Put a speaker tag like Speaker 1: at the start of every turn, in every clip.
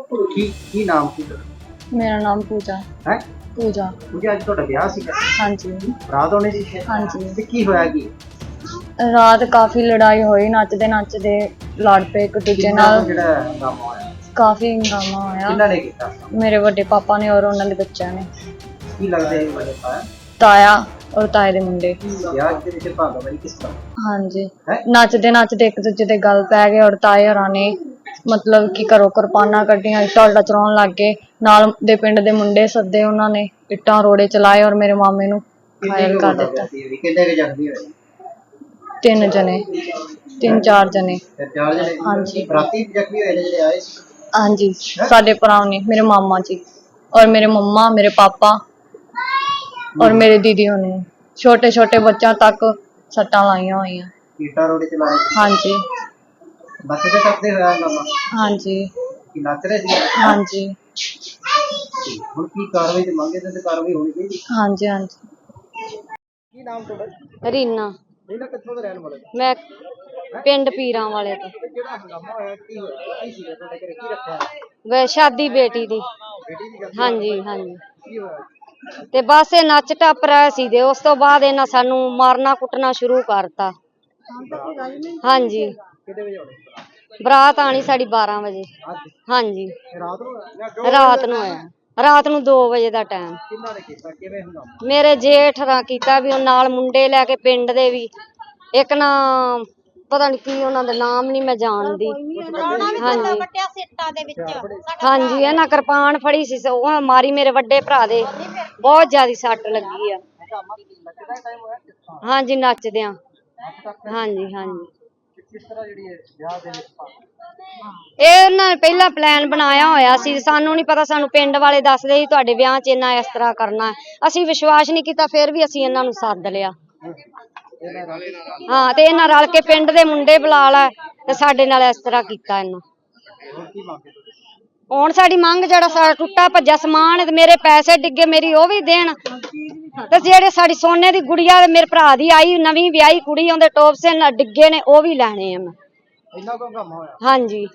Speaker 1: ਕੀ ਨਾਮ ਕੀ ਤੁਹਾਡਾ?
Speaker 2: मेरा नाम पूजा
Speaker 1: ਹੈ
Speaker 2: पूजा
Speaker 1: ਮੁਝੇ ਅੱਜ ਤੁਹਾਡਾ ਵਿਆਹ ਸੀਗਾ,
Speaker 2: हाँ जी
Speaker 1: ਰਾਤ ਹੋਣੀ ਸੀ ਸ਼ਾਇਦ।
Speaker 2: हाँ जी
Speaker 1: ਤੇ ਕੀ ਹੋਇਆ ਕੀ?
Speaker 2: रात काफी लड़ाई हुई नचदे नचदे लड़ पे एक दूजे
Speaker 1: ਕਿੰਨਾ
Speaker 2: नाल
Speaker 1: ਕੁ ਜਿਹੜਾ ਹੰਗਾਮਾ ਹੋਇਆ,
Speaker 2: काफी हंगामा होया
Speaker 1: ਕਿੰਨਾ ਨੇ ਕੀਤਾ?
Speaker 2: मेरे बड़े पापा ने और उन्होंने बच्चों ने
Speaker 1: ਕੀ ਲੱਗਦਾ ਹੈ ਮੇਰੇ ਪਾਇਆ
Speaker 2: ताया और ताए दे मुंडे
Speaker 1: ਵਿਆਹ ਦੇ ਵਿੱਚ ਭਾਗਾਵਾਰੀ किस तरह
Speaker 2: हाँ जी
Speaker 1: है?
Speaker 2: नचदे नचदे एक दूजे दे गल पै गए और ताए होरां ने मतलब कि घरों किरपाना कड्डियां ढोल चलाउण लग गए नाल दे पिंड दे मुंडे सद्दे उन्होंने इट्टां रोड़े चलाए और मेरे मामे नूं घायल कर दिता।
Speaker 1: कितने के जख्मी हुए?
Speaker 2: 3 जने 3-4 जने
Speaker 1: ਤੇ 4 ਜਣੇ
Speaker 2: हाँ जी
Speaker 1: ਰਾਤੀ ਜ਼ਖਮੀ ਹੋਏ ਨੇ ਜਿਹੜੇ ਆਏ ਸੀ।
Speaker 2: हाँ जी साडे भरा ने मेरे मामा जी और मेरे मम्मा मेरे पापा और मेरे दीदी होने छोटे छोटे बच्चों तक सट्टां लाइयां हुई हैं।
Speaker 1: ईटा रोड चला रहे
Speaker 2: हाँ जी
Speaker 1: बस से टपते हुए हंगामा
Speaker 2: हाँ जी
Speaker 1: कि नच रहे थे।
Speaker 2: हाँ जी
Speaker 1: ਹੁਣ ਕੀ ਕਾਰਵਾਈ ਤੇ ਮੰਗੇ ਤੇ ਕਾਰਵਾਈ ਹੋਣੀ ਚਾਹੀਦੀ।
Speaker 2: हाँ जी हाँ जी
Speaker 1: ਕੀ ਨਾਮ ਤੁਹਾਡਾ?
Speaker 2: रीना
Speaker 1: ਇਹਨਾਂ ਕਿੱਥੋਂ ਦੇ ਰਹਿਣ ਵਾਲੇ?
Speaker 2: मैं पिंड पीरां वाले तो
Speaker 1: ਤੇ ਜਿਹੜਾ ਹੰਗਾਮਾ ਹੋਇਆ ਕੀ ਹੋਇਆ? ਕੀ ਸੀ ਤੁਹਾਡੇ ਘਰੇ ਕੀ ਰੱਖਿਆ?
Speaker 2: वे शादी बेटी दी
Speaker 1: ਬੇਟੀ ਦੀ ਗੱਲ
Speaker 2: हाँ जी हाँ जी
Speaker 1: ਕੀ ਹੋਇਆ?
Speaker 2: ਤੇ ਬਸ ਇਹ ਨੱਚ ਟੱਪ ਰਹੇ ਸੀ ਤੇ ਉਸ ਤੋਂ ਬਾਅਦ ਇਹਨਾਂ ਸਾਨੂੰ ਮਾਰਨਾ ਕੁੱਟਣਾ ਸ਼ੁਰੂ ਕਰਤਾ। ਹਾਂਜੀ
Speaker 1: ਕਿੰਨੇ ਵਜੇ ਆਉਣੇ?
Speaker 2: ਬਰਾਤ ਆਣੀ ਸਾਡੀ 12 ਵਜੇ।
Speaker 1: ਅੱਜ
Speaker 2: ਹਾਂਜੀ
Speaker 1: ਰਾਤ ਨੂੰ ਹੋਇਆ?
Speaker 2: ਰਾਤ ਨੂੰ ਆਇਆ ਰਾਤ ਨੂੰ 2 ਵਜੇ ਦਾ ਟਾਈਮ।
Speaker 1: ਕਿੰਨਾ ਨੇ ਕੀਤਾ ਕਿਵੇਂ ਹੰਗਾਮਾ?
Speaker 2: ਮੇਰੇ ਜੇਠ ਰਾਂ ਕੀਤਾ ਵੀ ਉਹ ਨਾਲ ਮੁੰਡੇ ਲੈ ਕੇ ਪਿੰਡ ਦੇ ਵੀ ਇੱਕ ਨਾ ਪਤਾ ਨਹੀਂ ਕੀ ਉਹਨਾਂ ਦਾ ਨਾਮ ਨਹੀਂ ਮੈਂ ਜਾਣਦੀ। ਹਾਂਜੀ ਹਾਂਜੀ ਇਹਨਾਂ ਕਿਰਪਾਨ ਫੜੀ ਸੀ ਉਹ ਮਾਰੀ ਮੇਰੇ ਵੱਡੇ ਭਰਾ ਦੇ ਬਹੁਤ ਜ਼ਿਆਦਾ ਸੱਟ ਲੱਗੀ ਆ।
Speaker 1: ਹੰਗਾਮਾ ਨੱਚਦਾ ਟਾਈਮ ਹੋਇਆ ਕਿਸ ਤਰ੍ਹਾਂ?
Speaker 2: ਹਾਂਜੀ ਨੱਚਦਿਆਂ
Speaker 1: ਨੱਚ ਟੱਪ
Speaker 2: ਹਾਂਜੀ ਹਾਂਜੀ
Speaker 1: ਕਿਸ ਤਰ੍ਹਾਂ ਜਿਹੜੀ ਹੈ ਵਿਆਹ ਦੇ ਵਿੱਚ
Speaker 2: ਇਹ ਉਹਨਾਂ ਨੇ ਪਹਿਲਾਂ ਪਲਾਨ ਬਣਾਇਆ ਹੋਇਆ ਸੀ ਸਾਨੂੰ ਨਹੀਂ ਪਤਾ ਸਾਨੂੰ ਪਿੰਡ ਵਾਲੇ ਦੱਸਦੇ ਸੀ ਤੁਹਾਡੇ ਵਿਆਹ 'ਚ ਇੰਨਾ ਇਸ ਤਰ੍ਹਾਂ ਕਰਨਾ ਅਸੀਂ ਵਿਸ਼ਵਾਸ ਨਹੀਂ ਕੀਤਾ ਫਿਰ ਵੀ ਅਸੀਂ ਇਹਨਾਂ ਨੂੰ ਸੱਦ ਲਿਆ। ਹਾਂ ਤੇ ਇਹਨਾਂ ਰਲ ਕੇ ਪਿੰਡ ਦੇ ਮੁੰਡੇ ਬੁਲਾ ਲੈ ਤੇ ਸਾਡੇ ਨਾਲ ਇਸ ਤਰ੍ਹਾਂ ਕੀਤਾ ਇਹਨਾਂ। ਹੁਣ ਸਾਡੀ ਮੰਗ ਜਿਹੜਾ ਸਾਡਾ ਟੁੱਟਾ ਭੱਜਾ ਸਮਾਨ ਹੈ ਤੇ ਮੇਰੇ ਪੈਸੇ ਡਿੱਗੇ ਮੇਰੀ ਉਹ ਵੀ ਦੇਣ ਤੇ ਜਿਹੜੇ ਸਾਡੀ ਸੋਨੇ ਦੀ ਗੁੜੀਆ ਤੇ ਮੇਰੇ ਭਰਾ ਦੀ ਆਈ ਨਵੀਂ ਵਿਆਹੀ ਕੁੜੀ ਉਹਦੇ ਟੋਪਸੇ ਨਾਲ ਡਿੱਗੇ ਨੇ ਉਹ ਵੀ ਲੈਣੇ ਆ ਮੈਂ।
Speaker 1: ਇੰਨਾ ਕੋ ਹੰਗਾਮਾ ਹੋਇਆ?
Speaker 2: ਹਾਂਜੀ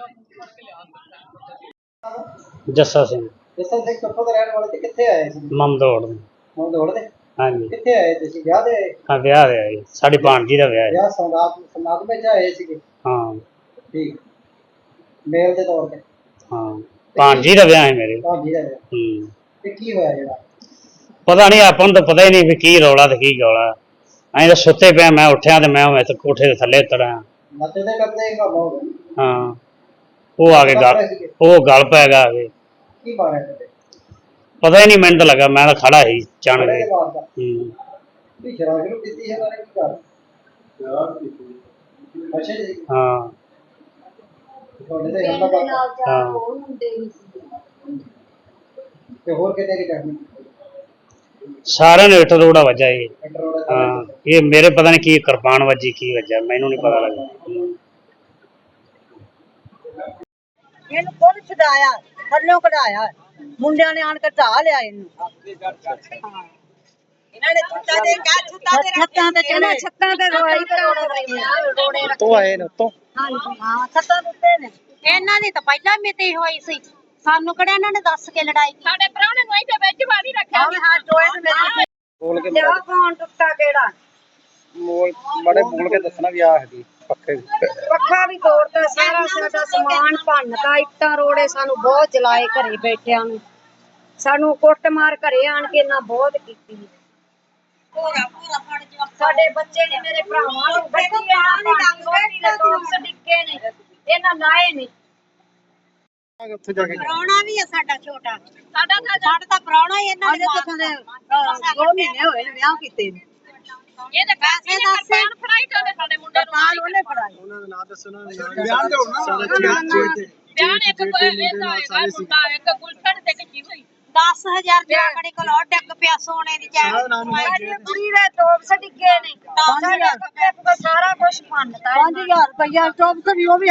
Speaker 3: ਜੱਸਾ ਸਿੰਘ
Speaker 1: ਜੱਸਾ ਸਿੰਘ ਕਿੱਥੋਂ ਦੇ ਰਹਿਣ ਵਾਲੇ ਤੇ ਕਿੱਥੇ ਆਏ ਸੀ?
Speaker 3: ਮਮਦੋੜ ਦੇ।
Speaker 1: ਹੁਣ ਦੌੜਦੇ
Speaker 3: ਹਾਂਜੀ
Speaker 1: ਕਿੱਥੇ ਆਏ ਤੁਸੀਂ? ਵਿਆਹ ਦੇ ਆਏ?
Speaker 3: ਹਾਂ ਵਿਆਹ ਦੇ ਆਈ ਸਾਡੀ ਭਾਣਜੀ ਦਾ ਵਿਆਹ ਹੈ।
Speaker 1: ਵਿਆਹ ਸਮਾਗਮ ਵਿੱਚ ਆਏ ਸੀਗੇ?
Speaker 3: ਹਾਂ
Speaker 1: ਠੀਕ ਮੇਲ ਦੇ ਤੌਰ ਤੇ?
Speaker 3: ਹਾਂ ਭਾਣਜੀ ਦਾ ਵਿਆਹ ਹੈ ਮੇਰੇ।
Speaker 1: ਭਾਜੀ ਦਾ ਵਿਆਹ ਤੇ ਕੀ ਹੋਇਆ ਜਿਹੜਾ?
Speaker 3: ਪਤਾ ਨਹੀਂ ਆਪਾਂ ਨੂੰ ਤਾਂ ਪਤਾ ਹੀ ਨਹੀਂ ਵੀ ਕੀ ਰੌਲਾ ਤੇ ਕੀ ਗੌਲਾ। ਅਸੀਂ ਤਾਂ ਸੁੱਤੇ ਪਿਆ ਮੈਂ ਉੱਠਿਆ ਤੇ ਮੈਂ ਉੱਥੇ ਕੋਠੇ ਦੇ ਥੱਲੇ ਉਤਰਾਂ।
Speaker 1: ਨੱਚਦੇ ਕਰਦੇ ਹੰਗਾਮਾ ਹੋ ਗਿਆ?
Speaker 3: ਹਾਂ ਉਹ ਆ ਕੇ ਗੱਲ ਪੈ ਗਿਆ ਆ ਕੇ।
Speaker 1: ਕੀ ਮਾਰਿਆ ਤੇ?
Speaker 3: ਪਤਾ ਹੀ ਨਹੀਂ ਮੈਨੂੰ ਤਾਂ ਲੱਗਾ ਮੈਂ ਤਾਂ ਖੜਾ ਸੀ ਚਣ
Speaker 1: ਬੜੇ
Speaker 3: ਕੇ।
Speaker 1: ਮਾਰਦਾ
Speaker 3: ਹੂੰ
Speaker 1: ਵੀ ਸ਼ਰਾਬ ਨੂੰ ਪੀਤੀ ਹੈ ਬਾਰੇ ਕੀ ਕਰ? ਸ਼ਰਾਬ ਪੀਤੀ ਅੱਛਾ ਜੀ
Speaker 3: ਹਾਂ
Speaker 1: ਤੁਹਾਡੇ ਤੇ ਹਮਲਾ ਕਰਤਾ
Speaker 3: ਹਾਂ
Speaker 1: ਤੇ ਹੋਰ ਕਿਤੇ ਕੀ ਕਰਨੀ?
Speaker 3: ਸਾਰਿਆਂ ਨੇ ਇੱਟ ਰੋੜਾ ਵੱਜਾ ਇਹ।
Speaker 1: ਕੰਟਰੋਲ
Speaker 3: ਹਾਂ ਇਹ ਮੇਰੇ ਪਤਾ ਨਹੀਂ ਕੀ ਕਿਰਪਾਨ ਵੱਜੀ ਕੀ ਵੱਜਾ ਮੈਨੂੰ ਨਹੀਂ ਪਤਾ ਲੱਗਾ।
Speaker 4: ਇਹਨੂੰ ਖੁਦ ਛਡਾਇਆ ਥੱਲੋਂ ਕਢਾਇਆ ਮੁੰਡਿਆਂ ਨੇ ਆਣ ਕੇ ਢਾ ਲਿਆ ਇਹਨੂੰ। ਇਹਨਾਂ ਨੇ ਛੱਤਾਂ ਤੇ ਚੜੇ ਛੱਤਾਂ ਤੇ ਰੋੜੇ
Speaker 1: ਤੋਂ ਆਏ ਨੇ ਤੋਂ।
Speaker 4: ਹਾਂਜੀ ਹਾਂ ਛੱਤਾਂ ਉੱਤੇ ਨੇ। ਇਹਨਾਂ ਦੀ ਤਾਂ ਪਹਿਲਾਂ ਮਿਤੀ ਹੋਈ ਸੀ ਸਾਨੂੰ ਕਿਹੜਾ ਇਹਨਾਂ ਨੇ ਦੱਸ ਕੇ ਲੜਾਈ ਸਾਡੇ ਪ੍ਰਾਹੁਣੇ ਨੂੰ ਇੱਥੇ ਵਿੱਚ ਬਾਦੀ ਰੱਖਿਆ ਹਾਂ ਟੋਏ ਨੂੰ ਮੇਰੇ
Speaker 1: ਬੋਲ ਕੇ
Speaker 4: ਲਿਆ ਕੌਣ ਟੁੱਟਾ ਕਿਹੜਾ
Speaker 1: ਬੜੇ ਬੋਲ ਕੇ ਦੱਸਣਾ ਵੀ ਆਹ ਹੈਗੀ ਪੱਕੇ
Speaker 4: ਪੱਖਾ ਵੀ ਤੋੜਦਾ ਸਾਰਾ ਸਾਡਾ ਸਮਾਨ ਭੰਨਤਾ ਇੱਟਾਂ ਰੋੜੇ ਸਾਨੂੰ ਬਹੁਤ ਜਲਾਏ ਘਰੇ ਬੈਠਿਆਂ ਨੂੰ ਸਾਨੂੰ ਕੁੱਟ ਮਾਰ ਘਰੇ ਆਣ ਕੇ ਇਹਨਾਂ ਬਹੁਤ ਕੀਤੀ ਸਾਡੇ ਬੱਚੇ ਨੇ ਮੇਰੇ ਭਰਾਵਾਂ ਨੂੰ ਡਿੱਗੇ ਨੇ ਇਹਨਾਂ ਲਾਏ ਨੇ।
Speaker 1: ਉੱਥੇ ਜਾ ਕੇ
Speaker 4: ਪ੍ਰਾਹੁਣਾ ਵੀ ਆ ਸਾਡਾ ਛੋਟਾ ਸਾਡਾ ਤਾਂ ਪ੍ਰਾਹੁਣਾ ਹੀ ਇਹਨਾਂ ਦੇ ਕਿਥੋਂ ਦੇ 2 ਮਹੀਨੇ ਹੋਏ ਨੇ ਵਿਆਹ ਕੀਤੇ ਨੇ। ਇਹਦੇ ਪੈਸੇ ਦੱਸੇ ਫੜਾਈ ਜਾਂਦੇ ਸਾਡੇ ਮੁੰਡੇ ਨੂੰ ਉਹਨੇ ਫੜਾਈ
Speaker 1: ਉਹਨਾਂ ਦਾ ਨਾਂ ਦੱਸੋ ਨਾ ਬਿਆਨ ਦਿਓ ਨਾ
Speaker 4: ਬਿਆਨ ਇੱਕ ਇਹਦਾ ਹੈਗਾ ਮੁੰਡਾ ਇੱਕ ਗੁਲਸ਼ਨ ਤੇ ਕੀ ਹੋਈ 10000 ਜਾਕੜੇ ਕੋਲ ਡੱਗ ਪਿਆ ਸੋਨੇ ਦੀ ਚੈਨ ਕੁੜੀ ਦੇ ਟੋਪਸ ਡਿੱਗੇ ਨੇ ਸਾਰਾ ਕੁਝ ਭੰਨਤਾ 5000 ਰੁਪਇਆ ਟੋਪਸ ਵੀ ਉਹ ਵੀ